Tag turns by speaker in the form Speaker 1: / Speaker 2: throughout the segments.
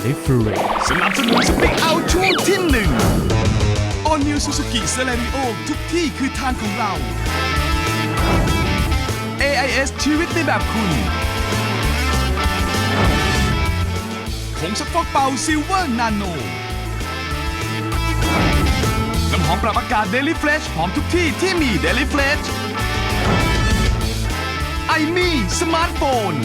Speaker 1: Different
Speaker 2: สนับสนุนสปีกเอาช่วงที่1 All New Suzuki Celerio ทุกที่คือทางของเรา AIS ชีวิตในแบบคุณผงซักฟอกเป่า Silver Nano น้ำหอมปรับอากาศ Daily Fresh หอมทุกที่ที่มี Daily Fresh ไอมี่สมาร์ทโฟน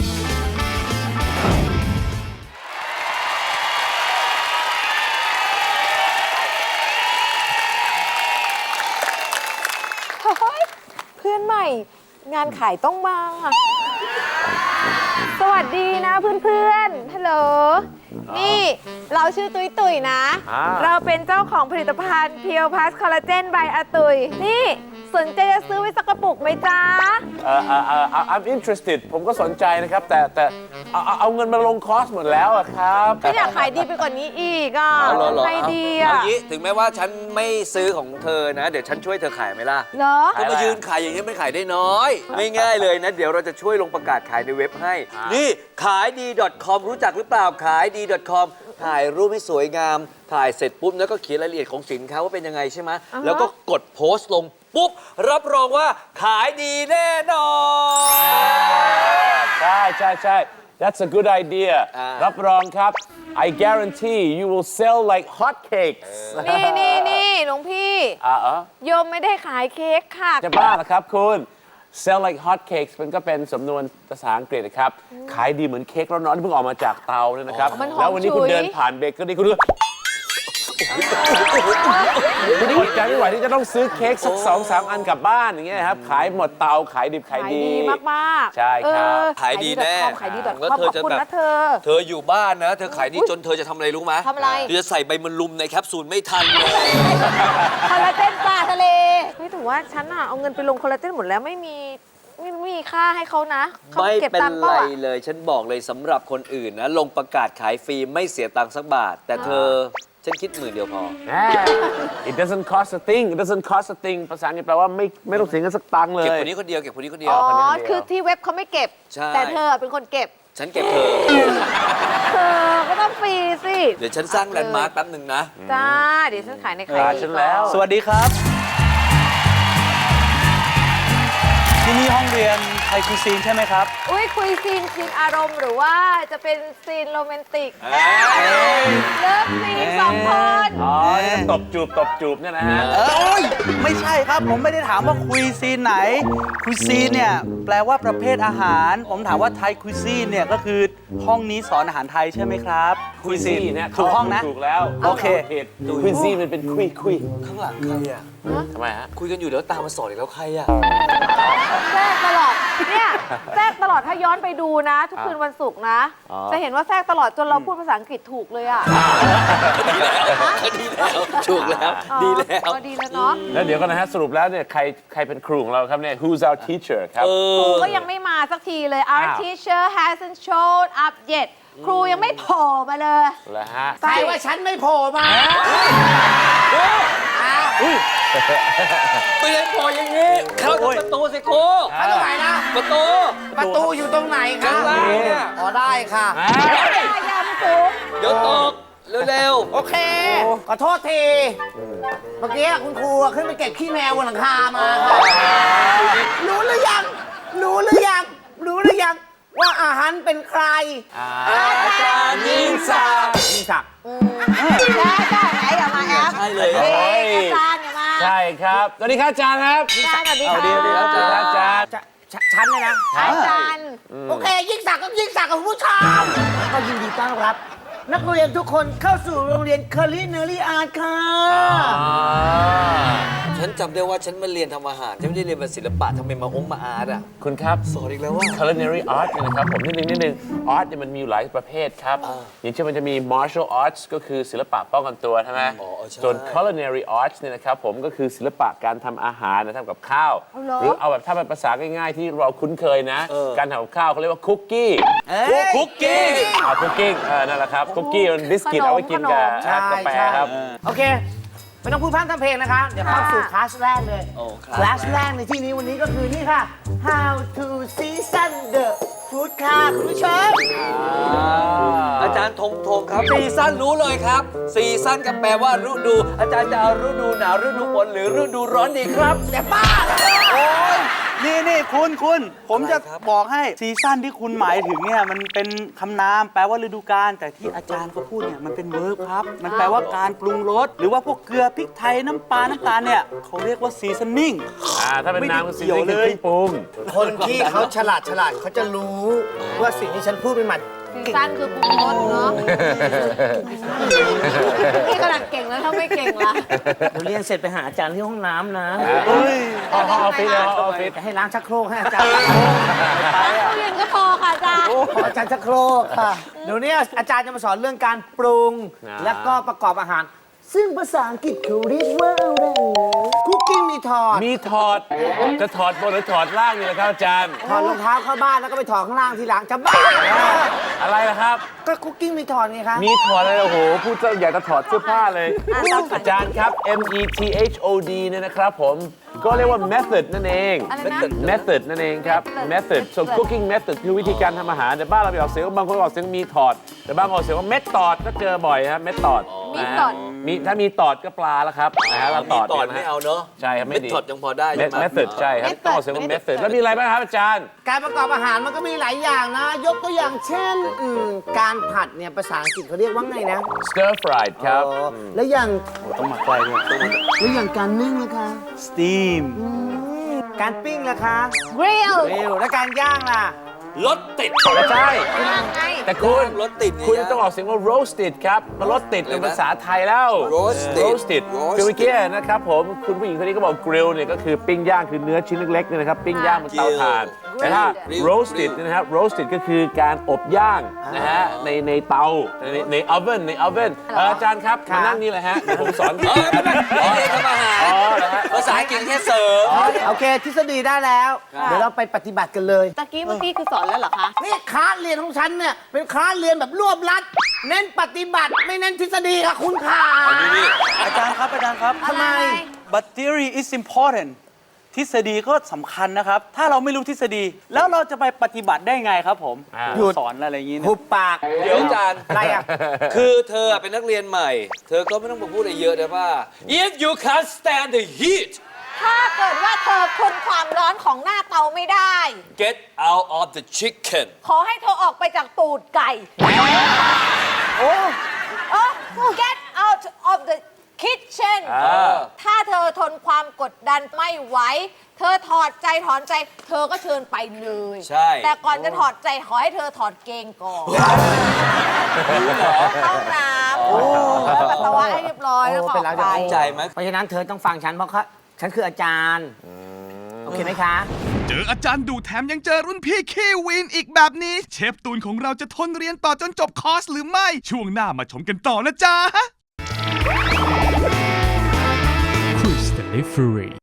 Speaker 3: เพื่อนใหม่งานขายต้องมา สวัสดีนะเพื่อนๆ ฮัลโหล นี่เราชื่อตุยตุยนะ เราเป็นเจ้าของผลิตภัณฑ์เพียวพลัสคอลลาเจนบายอาตุย นี่สนใจจะซื้อไว้สักกระปุกไหมจ๊ะ
Speaker 4: I'm interested ผมก็สนใจนะครับ แต่เอาเงินมาลงคอร์สหมดแล้วอะครับ
Speaker 3: ไม่อยากขายดีไปกว่านี้อีกอ่ะใครดี
Speaker 5: เอา
Speaker 3: อ่ะ
Speaker 5: งี้ถึงแม้ว่าฉันไม่ซื้อของเธอนะ เดี๋ยวฉันช่วยเธอขายไหมล่ะ
Speaker 3: เหรอ
Speaker 5: เธอมายืนขายอย่างนี้ไม่ขายได้น้อยไม่ง่ายเลยนะ เดี๋ยวเราจะช่วยลงประกาศขายในเว็บให้ นี่ขายดี .com รู้จักหรือเปล่าขายดี .com ถ่ายรูปให้สวยงาม ถ่ายเสร็จปุ๊บแล้วก็เขียนรายละเอียดของสินค้าว่าเป็นยังไงใช่ไหมแล้วก็กดโพสต์ลงปุ๊บรับรองว่าขายดีแน่นอน
Speaker 4: ใช่ That's a good idea รับรองครับ I guarantee you will sell like hotcakes
Speaker 3: นี่หลวงพี่โยมไม่ได้ขายเค้กค่ะ
Speaker 4: จะบ้าเหรอครับคุณ sell like hotcakes มันก็เป็นสำนวนภาษาอังกฤษนะครับ ขายดีเหมือนเค้กร้อนๆที่เพิ่งออกมาจากเตาเนี่ยนะครับ
Speaker 3: มันหอม
Speaker 4: แล้ววันนี้คุณ
Speaker 3: ฉุย
Speaker 4: เดินผ่านเบเกอรี่คุณอดใจไม่ไหวที่จะต้องซื้อเค้กสัก2-3 อันกลับบ้านอย่างเงี้ยครับ ขายหมดเตาขายดิบขาย
Speaker 3: ขาย
Speaker 4: ดี
Speaker 3: ดีมากๆ
Speaker 4: ใช่ครับ
Speaker 5: ขายดีแน่
Speaker 3: ขายดี .com
Speaker 5: แล้ว
Speaker 3: ข
Speaker 5: เธอ
Speaker 3: อบ
Speaker 5: จะ
Speaker 3: คุณ
Speaker 5: แบบ
Speaker 3: นะเธอ
Speaker 5: เธออยู่บ้านนะ เธอขายดีจนเธอจะทำอะไรรู้ไหม
Speaker 3: ทำอะไร
Speaker 5: เธอจะใส่ใบมันลุมในแคปซูลไม่ทันเลย
Speaker 3: คอลลาเจนปลาทะเลไม่ถือว่าฉันอะเอาเงินไปลงคอลลาเจนหมดแล้วไม่มีค่าให้เขานะเขา
Speaker 5: ไม่
Speaker 3: เก็บ
Speaker 5: เป็น
Speaker 3: ตังค์
Speaker 5: ไร
Speaker 3: เปล่าอะ
Speaker 5: เลย ฉันบอกเลยสำหรับคนอื่นนะ ลงประกาศขายฟรีไม่เสียตังค์สักบาท แต่เธอฉันคิด10,000เดียวพอ
Speaker 4: It doesn't cost a thing It doesn't cost a thing ภาษาอังกฤษแปลว่าไม่ต้องเสียเงินสักตังค์เลย
Speaker 5: เก็บคนนี้คนเดียวเก็บคนนี้คนเดียว
Speaker 3: อ๋อคือที่เว็บเขาไม่เก็บ
Speaker 5: ใช่
Speaker 3: แต่เธอเป็นคนเก็บ
Speaker 5: ฉันเก็บเธอ
Speaker 3: เธอก็ต้องฟรีสิ
Speaker 5: เดี๋ยวฉันสร้างแลนด์มาร์คแป๊บหนึ่งนะ
Speaker 3: จ้าเดี๋ยวฉันขายในใคร
Speaker 4: ฉันแล้ว
Speaker 6: สวัสดีครับ ที่นี่ห้องเรียนไทยคุยซีนใช่ไหมครับ
Speaker 3: อุ้ยคุยซีนอารมณ์หรือว่าจะเป็นซีนโรแมนติกเลิฟซีนสองคน
Speaker 4: อ๋อนี่ตบจูบเนี่ยนะฮะ
Speaker 6: โอ้ยไม่ใช่ครับ ผมไม่ได้ถามว่าคุยซีนไหน คุยซีนเนี่ยแปลว่าประเภทอาหาร ผมถามว่าไทยคุยซีนเนี่ยก็คือห้องนี้สอนอาหารไทยใช่ไหมครับคุยซีน
Speaker 4: เนี่ย
Speaker 6: ถูกห้องนะ
Speaker 4: ถูกแล้ว
Speaker 6: โอเค
Speaker 4: ผิดควินซี่มันเป็นคุย
Speaker 5: ข้างหลังใครอ่ะ
Speaker 4: ทำไมฮะ
Speaker 5: คุยกันอยู่แล้วตามมาสอนอีกแล้วใครอ่ะ
Speaker 3: แทรกตลอดเนี่ยแทรกตลอดถ้าย้อนไปดูนะ ทุกคืนวันศุกร์นะ จะเห็นว่าแทรกตลอดจนเราพูดภาษาอังกฤษถูกเลยอ่ะ
Speaker 5: ดีแล้วถูกแล้วดีแล้ว
Speaker 3: ดีแล้วเนาะ
Speaker 4: แล้วเดี๋ยวกันนะฮะสรุปแล้วเนี่ยใครเป็นครูของเราครับเนี่ย Who's our teacher ครับ
Speaker 3: ครูก็ยังไม่มาสักทีเลย Our teacher hasn't showed up yet ครูยังไม่โผล่มาเลย
Speaker 4: แล้วฮะ
Speaker 7: ใครว่าฉันไม่โผล่มา
Speaker 5: เปลี่ยนพออย่างนี้ เข้าทางประตูสิครู
Speaker 7: เข้าตรงไหนนะ
Speaker 5: ประตู
Speaker 7: ประตูอยู่ตรงไหนคะ
Speaker 5: ข้างล่างเนี่ย
Speaker 7: อ๋อได้ค่ะ
Speaker 3: ยามสูง
Speaker 5: เดี๋ยวตก เร็ว
Speaker 7: โอเค ขอโทษที เมื่อกี้คุณครูขึ้นไปเก็บขี้แมวบนหลังคามาค่ะรู้หรือยัง ว่าอาหารเป็นใคร
Speaker 5: อาจารย์ยิ่งศักดิ์
Speaker 7: ยิ่งศักดิ์
Speaker 3: จ้าไหนอย่ามาแอป
Speaker 5: ใช่เลย
Speaker 3: อาจารย์อย่ามา
Speaker 4: ใช่ครับสวัสดีครับอาจารย์ครับ
Speaker 3: อาจารย์สวัสดีค่ะ
Speaker 4: สวัสดีครับอาจารย์
Speaker 7: ฉันเลยนะ
Speaker 3: อาจารย์
Speaker 7: โอเค ยิ่งศักดิ์ก็ยิ่งศักดิ์กับคุณผู้ชมก็ยินดีต้อนรับ นักเรียนทุกคนเข้าสู่โรงเรียน Culinary Art ค่ะ
Speaker 5: ฉันจำได้ว่าฉันมาเรียนทำอาหาร ฉันไม่ได้เรียนแบบศิลปะทำไมมาอาร์ตอ่ะ
Speaker 4: คุณครับ
Speaker 5: สอนอีกแล้วว่า
Speaker 4: culinary art เนี่ยนะครับผมนิดนึง art เนี่ยมันมีอยู่หลายประเภทครับ อย่างเช่นมันจะมี martial arts ก็คือศิลปะป้องกันตัวใช่ไหม
Speaker 5: ใช่
Speaker 4: ส่วน culinary arts เนี่ยนะครับผมก็คือศิลปะการทำอาหารนะทำกับข้าว หรือเอาแบบถ้าเป็นภาษาง่ายๆที่เราคุ้นเคยนะ การทำกับข้าวเขาเรียกว่าคุกกี้
Speaker 5: คุกกี้
Speaker 4: คุกกิ้งนั่นแหละครับคุกกี้มันบิสกิตเอาไว้กินกับ
Speaker 7: ใช่
Speaker 4: กาแฟ
Speaker 7: ใช่
Speaker 4: ครับ
Speaker 7: โอเค ไม่ต้องพูดพร่ำทำเพลงนะคะ เดี๋ยวเข้าสู่คลาสแรกเลย
Speaker 5: โอ้ครับ
Speaker 7: คลาสแรกในที่นี้วันนี้ก็คือนี่ค่ะ How to season the ฟู้ดค่ะคุณผู้ชม
Speaker 5: อาจารย์ธงครับซีซั่นรู้เลยครับซีซั่นก็แปลว่าฤดู อาจารย์จะเอาฤดูหนาวฤดูฝนหรือฤดูร้อนดีครับ
Speaker 7: แต่บ้าเหรอ
Speaker 6: โอ้ยนี่คุณผมจะ
Speaker 5: อะไรครับ
Speaker 6: บอกให้ซีซั่นที่คุณหมายถึงเนี่ยมันเป็นคำนามแปลว่าฤดูกาลแต่ที่อาจารย์เขาพูดเนี่ยมันเป็นเวิร์บครับ มันแปลว่าการปรุงรสหรือว่าพวกเกลือพริกไทยน้ำปลาน้ำตาลเนี่ยเขาเรียกว่าซีซันนิ่ง
Speaker 4: ถ้าเป็นน้ำก็ซี
Speaker 6: ไม่
Speaker 4: รี
Speaker 6: ได้
Speaker 4: ส์
Speaker 6: เกี่ยวเลย
Speaker 4: คือเครื่องปรุง
Speaker 7: คนที่เขาฉลาดเขาจะรู้ว่าสิ่งที่ฉันพูดเป็นมัน
Speaker 3: ซีซั่นคือปรุงรสเนาะนี่ขนาดเก่งแล้วถ้าไม่เก่งล่ะ
Speaker 7: เดี๋ยวเรียนเสร็จไปหาอาจารย์ที่ห้องน้ำนะ
Speaker 6: เฮ้ย
Speaker 4: ออฟฟิศออฟฟิศ
Speaker 7: ให้ล้างชักโครกให้อาจารย์
Speaker 3: ตู้เย็นก็พอค่ะอาจารย์
Speaker 7: ขออาจารย์ชักโครกค่ะเดี๋ยวนี้อาจารย์จะมาสอนเรื่องการปรุง แล้วก็ประกอบอาหาร ซึ่งภาษาอังกฤษเขาเรียกว่าอะไรคุกกิ้งมีถอด
Speaker 4: มีถอด จะถอดบนหรือถอดล่างนี่แหละครับอาจารย์
Speaker 7: ถอดรองเท้าเข้าบ้านแล้วก็ไปถอดข้างล่างทีหลังจะบ้า
Speaker 4: อะไรล่ะครับ
Speaker 7: ก็คุกกิ้งมีถอดไงคะ
Speaker 4: มีถอดอะไรโอ้โห พูดซะอยากจะถอดเสื้อผ้าเลย อาจารย์ครับ METHOD เนี่ยนะครับผม ก็เรียกว่า method นั่นเอง
Speaker 3: อะไรนะ
Speaker 4: method นั่นเองครับ method so cooking method คือวิธีการทำอาหารแต่บ้านเราไปออกเสียงบางคนออกเสียงมีถอด แต่บางคนออกเสียงว่าเม็ดตอดก็เจอบ่อยครับเม็ดตอด
Speaker 3: มีตอด
Speaker 4: มีถ้ามีตอดก็ปลาแล้วครับนะฮะเราตอด
Speaker 5: ตอด
Speaker 4: นี่ยนะ
Speaker 5: ไม่
Speaker 4: ฮะ
Speaker 5: เอาเนอะ
Speaker 4: ใช่ครับไม่
Speaker 5: เม็ด
Speaker 4: ดี
Speaker 5: ถอดยังพอได้ใช่ไหม
Speaker 4: method ใช่ครับต้องออกเสียงว่า method แล้วมีอะไรบ้างครับอาจารย์
Speaker 7: การประกอบอาหารมันก็มีหลายอย่างนะ ยกตัวอย่างเช่นการผัดเนี่ยภาษาอังกฤษเขาเรียกว่าไงนะ
Speaker 4: stir fried ครับ
Speaker 7: อ๋อแล้วอย่าง
Speaker 6: ต้องหมักไฟด้วย
Speaker 7: แล้วอย่างการนึ่งนะคะ
Speaker 6: สตีม
Speaker 7: การปิ้งล่ะคะ
Speaker 3: grill
Speaker 7: เร็วแล้วการย่างล่ะ
Speaker 5: รถติด
Speaker 4: ไม่ใช่
Speaker 3: ยังไง
Speaker 4: แต่คุณ
Speaker 5: รถติดไง
Speaker 4: คุณต้องออกเสียงว่า roasted ครับมันรสติดเป็นภาษาไทยแล้ว
Speaker 5: roasted
Speaker 4: roasted คือเมื่อกี้นะครับผมคุณผู้หญิงคนนี้ก็บอก grill เนี่ยก็คือปิ้งย่างคือเนื้อชิ้นเล็กๆเนี่ยนะครับปิ้งย่างบนเตาถ่าน แต่ถ้า roasted เนี่ยนะครับ roasted ก็คือการอบย่างนะฮะในเตาใน oven ใน oven อาจารย์ครับมานั่งนี่เลยฮะเดี๋ยวผมสอน
Speaker 5: เออไม่เป็นไรเรียนทำอาหาร
Speaker 4: อ๋อเหรอฮะ
Speaker 5: ภาษาอังกฤษแค่เสริม
Speaker 7: โอเคทฤษฎีได้แล้ว เดี๋ยวเราไปปฏิบัติกันเลย
Speaker 3: ตะกี้เมื่อกี้คือสอนแล้วเหรอคะ
Speaker 7: นี่คลาสเรียนของฉันเนี่ย เป็นคลาสเรียนแบบรวบรัด เน้นปฏิบัติไม่เน้นทฤษฎีค่ะคุณค่ะ
Speaker 6: อาจารย์ครับ
Speaker 7: ทำไม
Speaker 6: but theory is important ทฤษฎีก็สำคัญนะครับ ถ้าเราไม่รู้ทฤษฎี แล้วเราจะไปปฏิบัติได้ไงครับผม
Speaker 7: หยุด
Speaker 6: สอนอะไรอย่างนี้
Speaker 7: หุ
Speaker 6: เนี่ย
Speaker 7: บปาก
Speaker 5: เดี๋ยวอาจารย์
Speaker 7: อะไรอ่ะ
Speaker 5: คือเธอเป็นนักเรียนใหม่ เธอก็ไม่ต้องมาพูดอะไรเยอะนะว่า if you can't stand the heat
Speaker 3: ถ้าเกิดว่าเธอทนความร้อนของหน้าเตาไม่ได้
Speaker 5: get out of the chicken
Speaker 3: ขอให้เธอออกไปจากตูดไก่
Speaker 7: โอ้
Speaker 3: get out of the kitchen ถ้าเธอทนความกดดันไม่ไหว เธอถอดใจถอนใจ เธอก็เชิญไปเลย
Speaker 5: ใช่
Speaker 3: แต่ก่อนจะถอดใจขอให้เธอถอดเกงก่อนเข้าน้ำแล้วปัสสาวะให้เรียบร้อยแล้วก็ออกไป
Speaker 5: เข้าใจไหม
Speaker 7: เพราะฉะนั้นเธอต้องฟังฉันเพราะฉันคืออาจารย์ โอเคไหมคะ
Speaker 2: เจออาจารย์ดูแถมยังเจอรุ่นพี่ขี้วีนอีกแบบนี้ เชฟตูนของเราจะทนเรียนต่อจนจบคอร์สหรือไม่ ช่วงหน้ามาชมกันต่อนะจ๊ะ
Speaker 1: Crystal Free